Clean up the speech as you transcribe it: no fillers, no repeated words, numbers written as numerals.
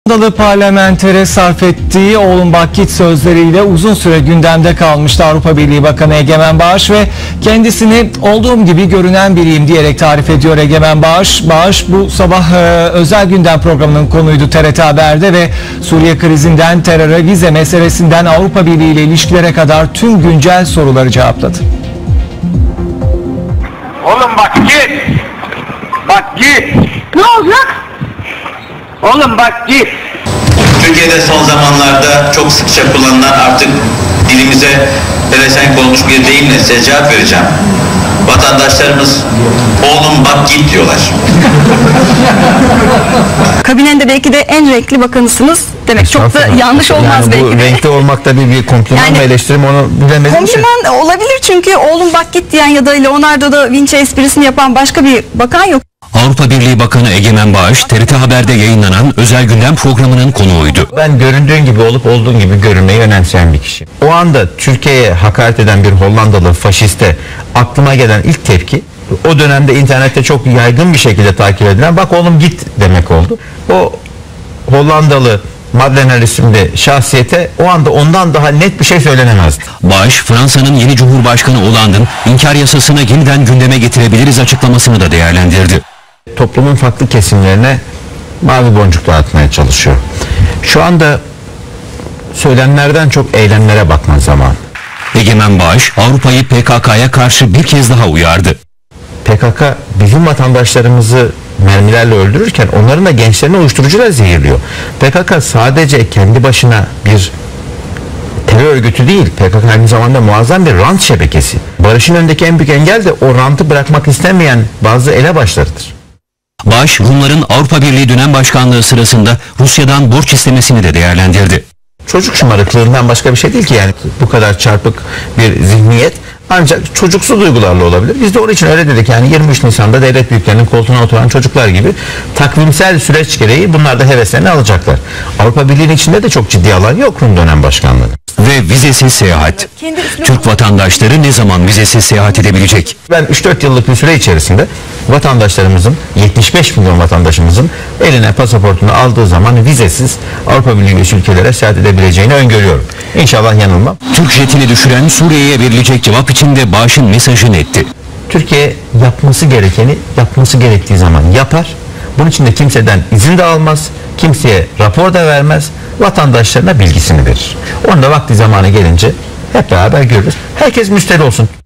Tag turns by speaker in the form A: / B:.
A: Dalı parlamentere sarf ettiği "oğlum bak git" sözleriyle uzun süre gündemde kalmıştı Avrupa Birliği Bakanı Egemen Bağış ve kendisini "olduğum gibi görünen biriyim" diyerek tarif ediyor Egemen Bağış. Bağış bu sabah özel gündem programının konuydu TRT Haber'de ve Suriye krizinden teröre, vize meselesinden Avrupa Birliği ile ilişkilere kadar tüm güncel soruları cevapladı.
B: Oğlum bak git. Bak git.
C: Ne olacak?
B: Oğlum bak git.
D: Türkiye'de son zamanlarda çok sıkça kullanılan, artık dilimize pelesenk olmuş bir deyimle size cevap vereceğim. Vatandaşlarımız "oğlum bak git" diyorlar.
C: Kabinende belki de en renkli bakanısınız demek. Çok da yanlış olmaz
E: yani
C: belki
E: bu
C: de.
E: renkli olmak da bir kompliman
C: Yani
E: mı, eleştirim, onu bilemedim.
C: Kompliman olabilir çünkü "oğlum bak git" diyen ya da Leonardo da Vinci esprisini yapan başka bir bakan yok.
F: Avrupa Birliği Bakanı Egemen Bağış, TRT Haber'de yayınlanan özel gündem programının konuğuydu.
E: Ben göründüğün gibi olup olduğun gibi görünmeyi önemseyen bir kişi. O anda Türkiye'ye hakaret eden bir Hollandalı faşiste aklıma gelen ilk tepki, o dönemde internette çok yaygın bir şekilde takip edilen "bak oğlum git" demek oldu. O Hollandalı Madlener isimli şahsiyete o anda ondan daha net bir şey söylenemezdi.
F: Bağış, Fransa'nın yeni Cumhurbaşkanı Hollande'ın inkar yasasını yeniden gündeme getirebiliriz açıklamasını da değerlendirdi.
E: Toplumun farklı kesimlerine mavi boncuk dağıtmaya çalışıyor. Şu anda söylemlerden çok eylemlere bakma zamanı.
F: Egemen Bağış, Avrupa'yı PKK'ya karşı bir kez daha uyardı.
E: PKK bizim vatandaşlarımızı mermilerle öldürürken onların da gençlerini uyuşturucuyla zehirliyor. PKK sadece kendi başına bir terör örgütü değil. PKK aynı zamanda muazzam bir rant şebekesi. Barışın önündeki en büyük engel de o rantı bırakmak istemeyen bazı elebaşlarıdır.
F: Bağış, Rumların Avrupa Birliği dönem başkanlığı sırasında Rusya'dan borç istemesini de değerlendirdi.
E: Çocuk şımarıklığından başka bir şey değil ki, yani bu kadar çarpık bir zihniyet ancak çocuksu duygularla olabilir. Biz de onun için öyle dedik, yani 23 Nisan'da devlet büyüklerinin koltuğuna oturan çocuklar gibi takvimsel süreç gereği bunlar da heveslerini alacaklar. Avrupa Birliği'nin içinde de çok ciddi alan yok Rum dönem başkanlığı.
F: Ve vizesiz seyahat. Türk vatandaşları ne zaman vizesiz seyahat edebilecek?
E: Ben 3-4 yıllık bir süre içerisinde vatandaşlarımızın, 75 milyon vatandaşımızın eline pasaportunu aldığı zaman vizesiz Avrupa Birliği üyesi ülkelere seyahat edebileceğini öngörüyorum. İnşallah yanılmam.
F: Türk jetini düşüren Suriye'ye verilecek cevap için de Bağış'ın mesajı netti.
E: Türkiye yapması gerekeni yapması gerektiği zaman yapar. Bunun için de kimseden izin de almaz, kimseye rapor da vermez, vatandaşlarına bilgisini verir. Onu da vakti zamanı gelince hep beraber görürüz. Herkes müşteri olsun.